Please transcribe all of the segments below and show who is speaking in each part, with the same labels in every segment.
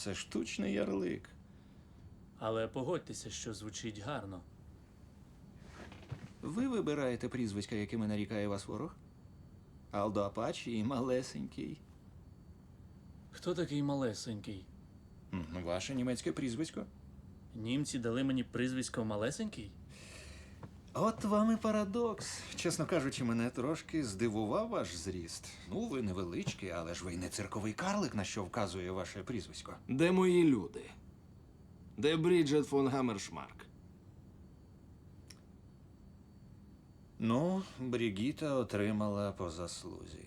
Speaker 1: Це штучний ярлик.
Speaker 2: Але погодьтеся, що звучить гарно.
Speaker 1: Ви вибираєте прізвиська, якими нарікає вас ворог? Алдо Апачі і малесенький.
Speaker 2: Хто такий малесенький?
Speaker 1: Ваше німецьке прізвисько?
Speaker 2: Німці дали мені прізвисько малесенький?
Speaker 1: От вам і парадокс. Чесно кажучи, мене трошки здивував ваш зріст. Ну, ви невеличкий, але ж ви не цирковий карлик, на що вказує ваше прізвисько.
Speaker 3: Де мої люди? Де Бріджет фон Гаммершмарк?
Speaker 1: Ну, Брігіта отримала по заслузі.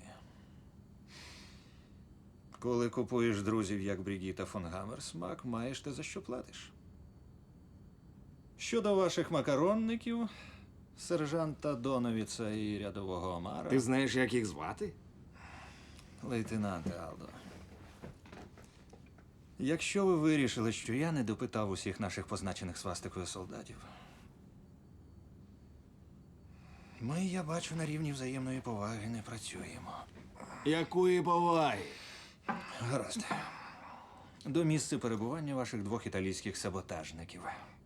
Speaker 1: Коли купуєш друзів, як Брігіта фон Гаммерсмак, маєш те, за що платиш. Щодо ваших макаронників, сержанта Доновіца і рядового Омара...
Speaker 3: Ти знаєш, як їх звати?
Speaker 1: Лейтенанте Алдо, якщо ви вирішили, що я не допитав усіх наших позначених свастикою солдатів, ми, я бачу, на рівні взаємної поваги не працюємо.
Speaker 3: Якої поваги?
Speaker 1: Гаразд. До місця перебування ваших двох італійських саботажників.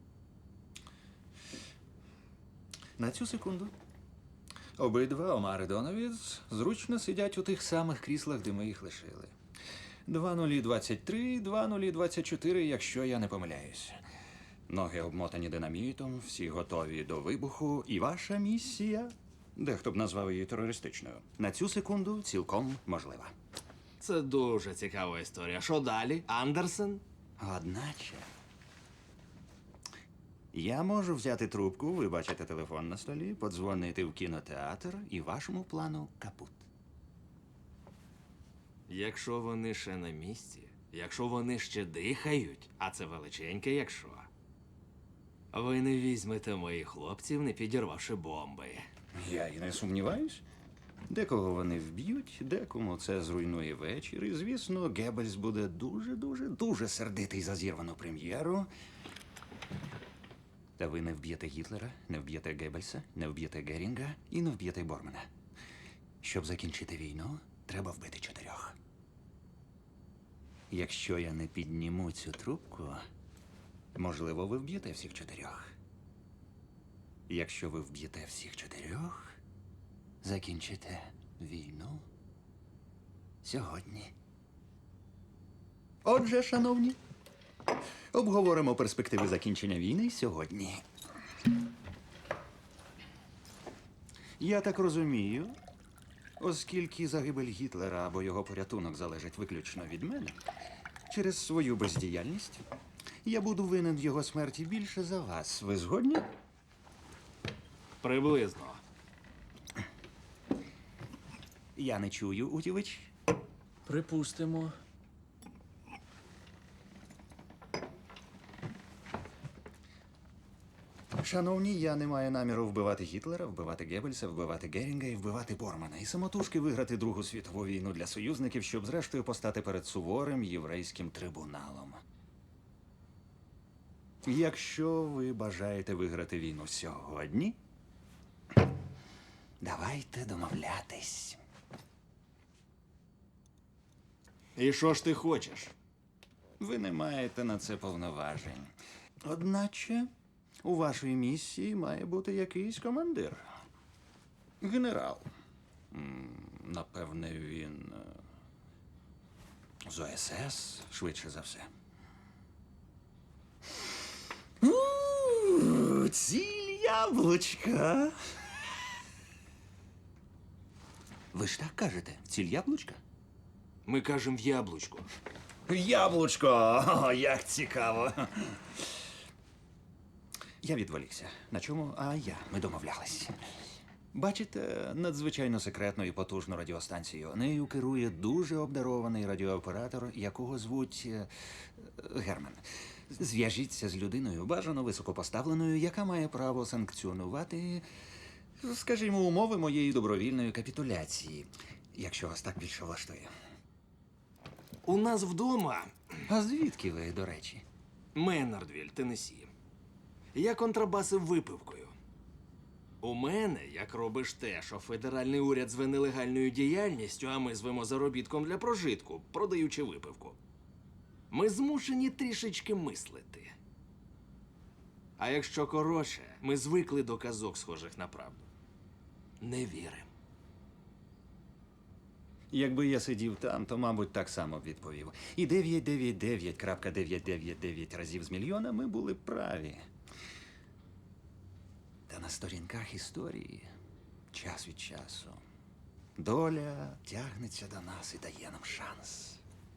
Speaker 1: На цю секунду. Обидва, Омар і Доновіц, зручно сидять у тих самих кріслах, де ми їх лишили. 2023, 2024, якщо я не помиляюсь. Ноги обмотані динамітом, всі готові до вибуху, і ваша місія, дехто б назвав її терористичною, на цю секунду цілком можлива.
Speaker 3: Це дуже цікава історія. Що далі? Андерсен?
Speaker 1: Одначе, я можу взяти трубку, ви бачите телефон на столі, подзвонити в кінотеатр і вашому плану капут.
Speaker 3: Якщо вони ще на місці, якщо вони ще дихають, а це величеньке якщо, ви не візьмете моїх хлопців, не підірвавши бомби.
Speaker 1: Я і не сумніваюсь. Декого вони вб'ють, декому це зруйнує вечір. І, звісно, Геббельс буде дуже сердитий за зірвану прем'єру. Та ви не вб'єте Гітлера, не вб'єте Геббельса, не вб'єте Герінга і не вб'єте Бормана. Щоб закінчити війну, треба вбити 4. Якщо я не підніму цю трубку, можливо, ви вб'єте всіх 4. Якщо ви вб'єте всіх 4, закінчите війну сьогодні. Отже, шановні, обговоримо перспективи закінчення війни сьогодні. Я так розумію, оскільки загибель Гітлера або його порятунок залежить виключно від мене, через свою бездіяльність я буду винен в його смерті більше за вас. Ви згодні?
Speaker 3: Приблизно.
Speaker 1: Я не чую, Утівич.
Speaker 2: Припустимо.
Speaker 1: Шановні, я не маю наміру вбивати Гітлера, вбивати Геббельса, вбивати Герінга і вбивати Бормана. І самотужки виграти Другу світову війну для союзників, щоб зрештою постати перед суворим єврейським трибуналом. Якщо ви бажаєте виграти війну сьогодні, давайте домовлятись.
Speaker 3: І що ж ти хочеш?
Speaker 1: Ви не маєте на це повноважень. Одначе, у вашій місії має бути якийсь командир. Генерал. Напевне, він з ОСС, швидше за все. Ціль яблучка. Ви ж так кажете? Ціль яблучка?
Speaker 3: Ми кажемо в яблучко.
Speaker 1: Яблучко! О, як цікаво. Я відволікся. На чому? Ми домовлялись. Бачите, надзвичайно секретну і потужну радіостанцію. Нею керує дуже обдарований радіооператор, якого звуть Герман. Зв'яжіться з людиною, бажано високопоставленою, яка має право санкціонувати, скажімо, умови моєї добровільної капітуляції, якщо вас так більше влаштує.
Speaker 3: У нас вдома
Speaker 1: А звідки ви, до речі?
Speaker 3: Меннардвіль, Теннессі. Я контрабасив випивкою. У мене, як робиш те, що федеральний уряд зве нелегальною діяльністю, а ми звемо заробітком для прожитку, продаючи випивку. Ми змушені трішечки мислити. А якщо коротше, ми звикли до казок, схожих на правду. Не віримо.
Speaker 1: Якби я сидів там, то, мабуть, так само б відповів. І 999.999 разів з мільйона ми були праві. Та на сторінках історії час від часу доля тягнеться до нас і дає нам шанс.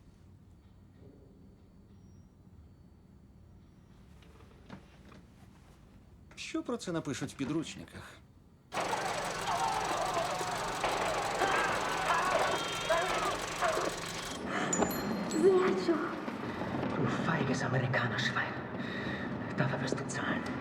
Speaker 1: Що про це напишуть в підручниках?
Speaker 4: Sehr Du feiges Amerikanerschwein. Dafür wirst du zahlen.